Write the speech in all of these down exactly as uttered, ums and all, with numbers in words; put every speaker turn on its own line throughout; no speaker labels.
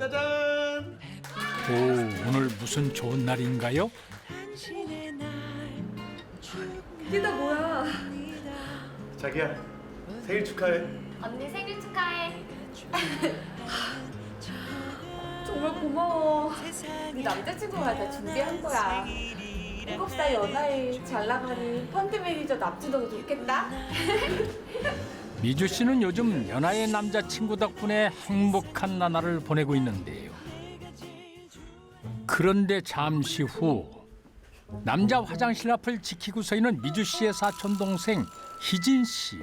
짜잔!
오, 오늘 무슨 좋은 날인가요?
이게 다 뭐야?
자기야, 생일 축하해.
언니 생일 축하해.
정말 고마워. 우리 남자친구가 다 준비한 거야. 일곱 살 연하에 잘 나가는 펀드 매니저 납치도 좋겠다.
미주 씨는 요즘 연하의 남자친구 덕분에 행복한 나날을 보내고 있는데요. 그런데 잠시 후 남자 화장실 앞을 지키고 서 있는 미주 씨의 사촌 동생 희진 씨.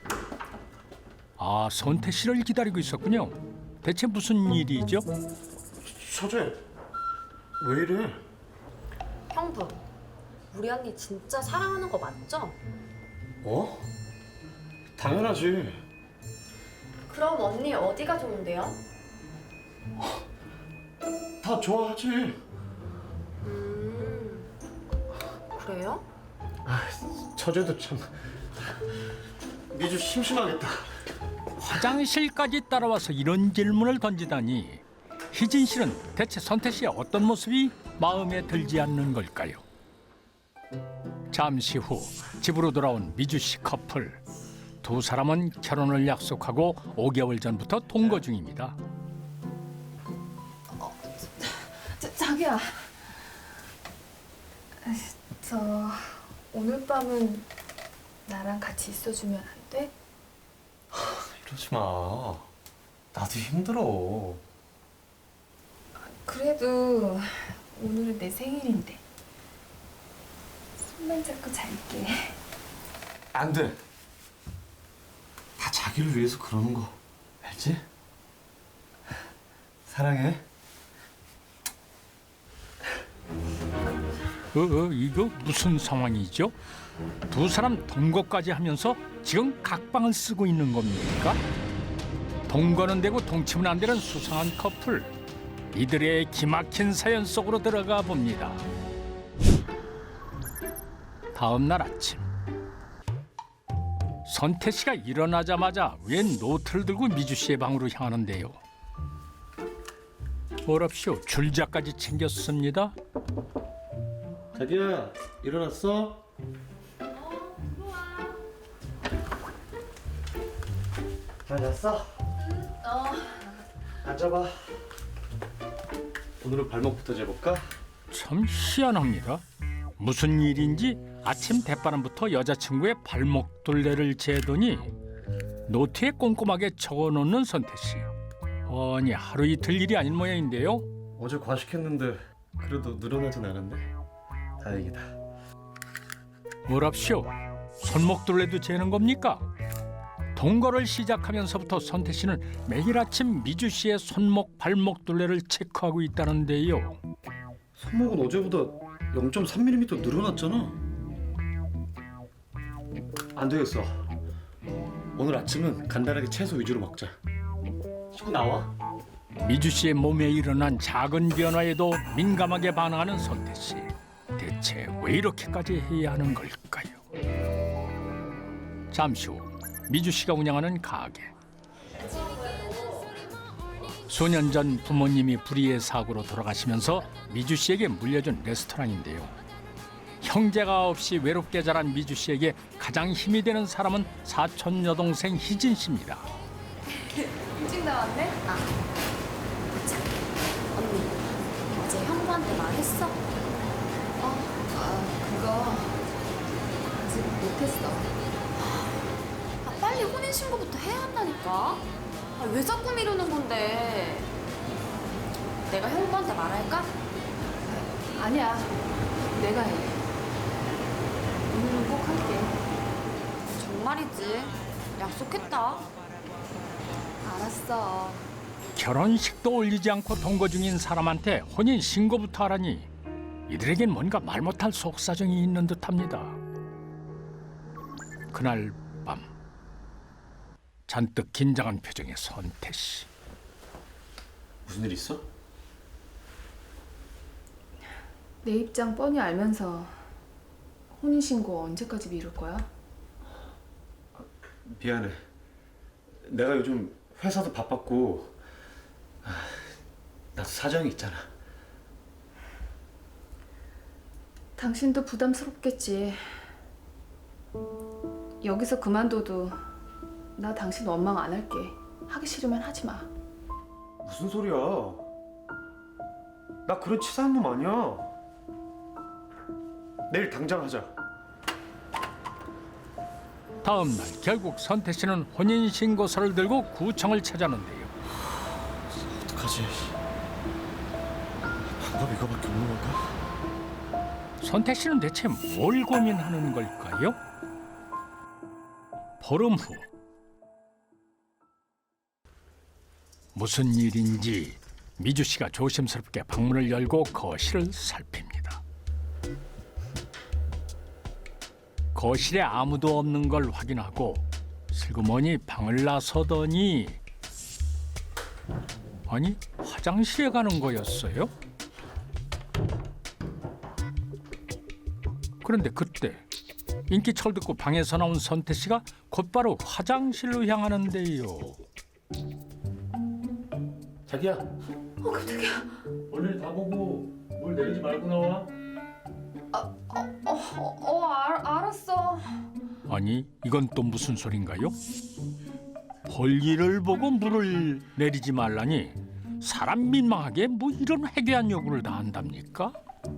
아, 선태 씨를 기다리고 있었군요. 대체 무슨 일이죠?
서재, 왜 이래?
형부, 우리 언니 진짜 사랑하는 거 맞죠?
어? 당연하지.
그럼 언니 어디가 좋은데요?
다 좋아하지.
음, 그래요?
아, 서재도 참. 미주 심심하겠다.
화장실까지 따라와서 이런 질문을 던지다니 희진 씨는 대체 선태 씨의 어떤 모습이 마음에 들지 않는 걸까요? 잠시 후 집으로 돌아온 미주 씨 커플. 두 사람은 결혼을 약속하고 오 개월 전부터 동거 중입니다.
자, 자기야. 저 오늘 밤은 나랑 같이 있어주면 안 돼?
이러지 마. 나도 힘들어.
그래도 오늘은 내 생일인데 손만 잡고 잘게.
안 돼. 다 자기를 위해서 그러는 거 알지? 사랑해.
어, 어, 이거 무슨 상황이죠? 두 사람 동거까지 하면서 지금 각방을 쓰고 있는 겁니까? 동거는 되고 동침은 안 되는 수상한 커플. 이들의 기막힌 사연 속으로 들어가 봅니다. 다음 날 아침. 선태 씨가 일어나자마자 웬 노트를 들고 미주 씨의 방으로 향하는데요. 뭐랍쇼, 줄자까지 챙겼습니다.
자기야, 일어났어? 잘 잤어?
어.
앉아봐. 오늘은 발목부터 재볼까?
참 희한합니다. 무슨 일인지 아침 대바람부터 여자친구의 발목 둘레를 재더니 노트에 꼼꼼하게 적어놓는 선태 씨. 아니, 하루 이틀 일이 아닌 모양인데요.
어제 과식했는데 그래도 늘어나진 않았네. 다행이다.
뭐랍쇼? 손목 둘레도 재는 겁니까? 동거를 시작하면서부터 선태 씨는 매일 아침 미주 씨의 손목, 발목 둘레를 체크하고 있다는데요.
손목은 어제보다 영 점 삼 밀리미터 늘어났잖아. 안 되겠어. 오늘 아침은 간단하게 채소 위주로 먹자. 씻고 나와.
미주 씨의 몸에 일어난 작은 변화에도 민감하게 반응하는 선태 씨. 대체 왜 이렇게까지 해야 하는 걸까요? 잠시 후 미주 씨가 운영하는 가게. 수년 전 부모님이 불의의 사고로 돌아가시면서 미주 씨에게 물려준 레스토랑인데요. 형제가 없이 외롭게 자란 미주 씨에게 가장 힘이 되는 사람은 사촌 여동생 희진 씨입니다.
일찍 나왔네?
아, 참. 언니, 어제 형부한테 말했어?
어, 아, 그거 아직 못했어.
아, 빨리 혼인신고부터 해야 한다니까. 아, 왜 자꾸 미루는 건데? 내가 형부한테 말할까?
아니야, 내가 해. 오늘은 꼭 할게.
정말이지. 약속했다.
알았어.
결혼식도 올리지 않고 동거 중인 사람한테 혼인 신고부터 하라니 이들에겐 뭔가 말 못할 속사정이 있는 듯합니다. 그날 밤 잔뜩 긴장한 표정의 선태 씨.
무슨 일 있어?
내 입장 뻔히 알면서 혼인신고 언제까지 미룰 거야?
미안해. 내가 요즘 회사도 바빴고 나도 사정이 있잖아.
당신도 부담스럽겠지. 여기서 그만둬도 나 당신 원망 안 할게. 하기 싫으면 하지 마.
무슨 소리야? 나 그런 치사한 놈 아니야. 내일 당장 하자.
다음 날 결국 선태 씨는 혼인 신고서를 들고 구청을 찾았는데요.
어떡하지? 방법 이거밖에 없는 걸까?
선태 씨는 대체 뭘 고민하는 걸까요? 보름 후 무슨 일인지 미주 씨가 조심스럽게 방문을 열고 거실을 살핍니다. 거실에 아무도 없는 걸 확인하고 슬그머니 방을 나서더니 아니 화장실에 가는 거였어요? 그런데 그때 인기철 듣고 방에서 나온 선태 씨가 곧바로 화장실로 향하는데요.
자기야.
어 깜짝이야.
얼른 다 보고 물 내리지 말고 나와.
어, 어, 어 알, 알았어.
아니 이건 또 무슨 소린가요? 볼일을 보고 물을 내리지 말라니 사람 민망하게 뭐 이런 해괴한 요구를 다 한답니까?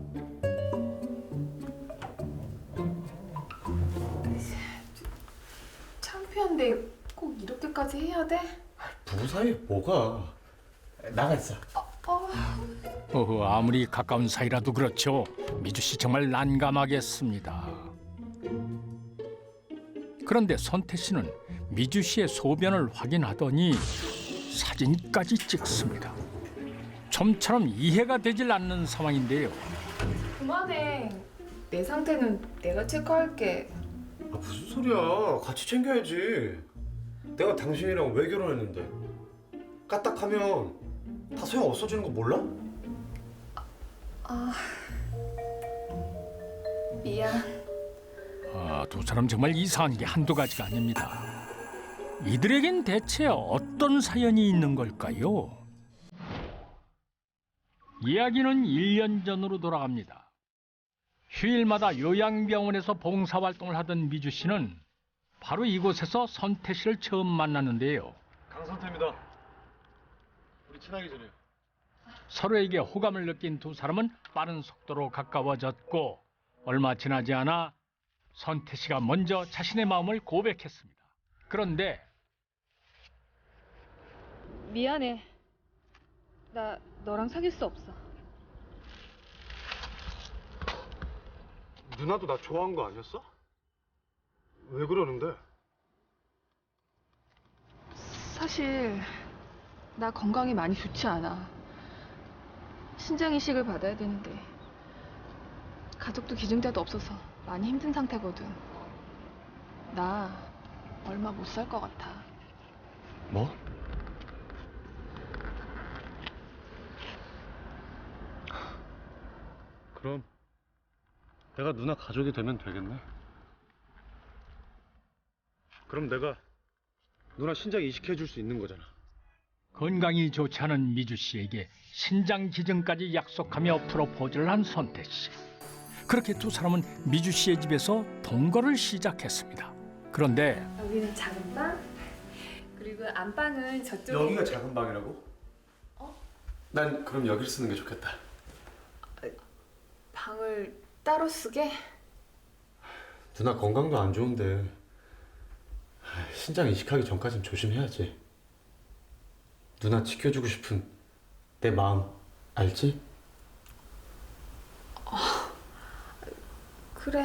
창피한데 꼭 이렇게까지 해야 돼?
부부 사이에 뭐가? 나가 있어.
어,
어허, 아무리 가까운 사이라도 그렇죠. 미주 씨 정말 난감하겠습니다. 그런데 선태 씨는 미주 씨의 소변을 확인하더니 사진까지 찍습니다. 좀처럼 이해가 되질 않는 상황인데요.
그만해. 내 상태는 내가 체크할게.
아, 무슨 소리야? 같이 챙겨야지. 내가 당신이랑 왜 결혼했는데? 까딱하면 다 소용 없어지는 거 몰라?
아, 미안.
아, 두 사람 정말 이상한 게 한두 가지가 아닙니다. 이들에겐 대체 어떤 사연이 있는 걸까요? 이야기는 일 년 전으로 돌아갑니다. 휴일마다 요양병원에서 봉사활동을 하던 미주 씨는 바로 이곳에서 선태 씨를 처음 만났는데요.
강선태입니다. 우리 친하게 지내요.
서로에게 호감을 느낀 두 사람은 빠른 속도로 가까워졌고 얼마 지나지 않아 선태 씨가 먼저 자신의 마음을 고백했습니다. 그런데
미안해. 나 너랑 사귈 수 없어.
누나도 나 좋아한 거 아니었어? 왜 그러는데?
사실 나 건강이 많이 좋지 않아. 신장 이식을 받아야 되는데 가족도 기증자도 없어서 많이 힘든 상태거든. 나 얼마 못 살 것 같아.
뭐? 그럼 내가 누나 가족이 되면 되겠네. 그럼 내가 누나 신장 이식해 줄 수 있는 거잖아.
건강이 좋지 않은 미주 씨에게 신장 기증까지 약속하며 프로포즈를 한 선태 씨. 그렇게 두 사람은 미주 씨의 집에서 동거를 시작했습니다. 그런데
여기는 작은 방, 그리고 안방은 저쪽에.
여기가 작은 방이라고?
어?
난 그럼 여기를 쓰는 게 좋겠다.
방을 따로 쓰게?
누나 건강도 안 좋은데 신장 이식하기 전까진 조심해야지. 누나 지켜주고 싶은 내 마음 알지?
그래.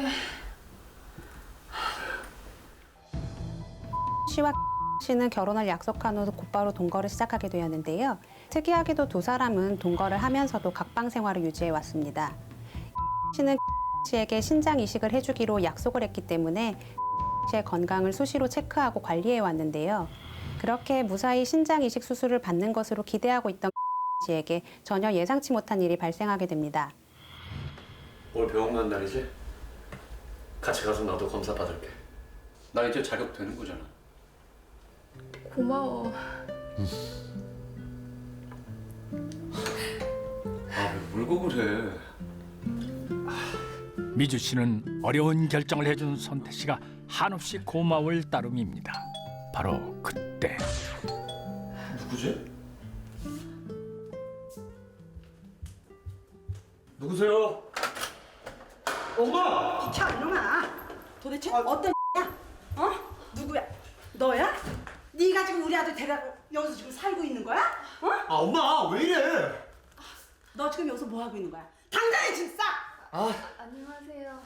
씨와 씨는 결혼을 약속한 후 곧바로 동거를 시작하게 되었는데요. 특이하게도 두 사람은 동거를 하면서도 각방 생활을 유지해 왔습니다. 씨는 씨에게 신장 이식을 해주기로 약속을 했기 때문에 씨의 건강을 수시로 체크하고 관리해 왔는데요. 그렇게 무사히 신장 이식 수술을 받는 것으로 기대하고 있던 씨에게 전혀 예상치 못한 일이 발생하게 됩니다.
오늘 병원 간 날이지? 같이 가서 나도 검사 받을게. 나 이제 자격 되는 거잖아.
고마워.
못해.
미주 씨는 어려운 결정을 해준 선태 씨가 한없이 고마울 따름입니다. 바로 그때
누구지? 누구세요? 엄마!
자, 이놈아. 도대체 어떤 야? 어? 누구야? 너야? 네가 지금 우리 아들 데려고 여기서 지금 살고 있는 거야? 어?
아 엄마 왜 이래?
너 지금 여기서 뭐 하고 있는 거야? 당장에 짐 싸!
아
안녕하세요.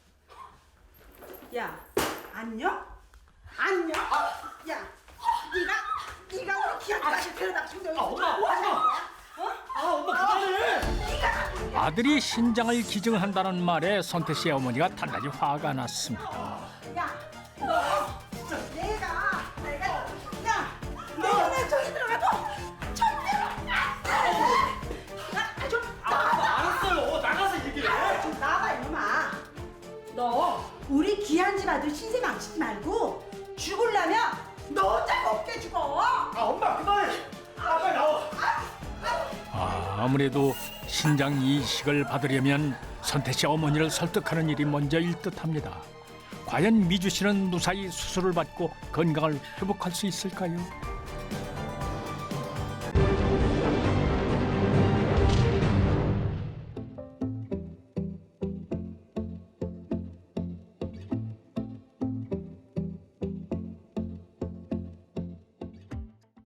야, 안녕? 안녕? 야, 네가 네가 우리 기아까지 데려다 지금 여기서
엄마,
뭐 하는
엄마.
거야? 어?
아 엄마 그만해!
아들이 신장을 기증한다는 말에 선태 씨의 어머니가 단단히 화가 났습니다.
야, 너 내가 내가 야, 너 내 저기 들어가도 절대로 안 돼. 야, 좀 나와.
알았어요. 나가서 얘기해.
좀 나와봐 이놈아. 너 우리 귀한 집 아들 신세 망치지 말고 죽을라면 너 혼자 먹게 죽어.
아 엄마 그만해. 아 빨리 나와.
아, 아무래도 신장 이식을 받으려면 선태 씨 어머니를 설득하는 일이 먼저일 듯합니다. 과연 미주 씨는 무사히 수술을 받고 건강을 회복할 수 있을까요?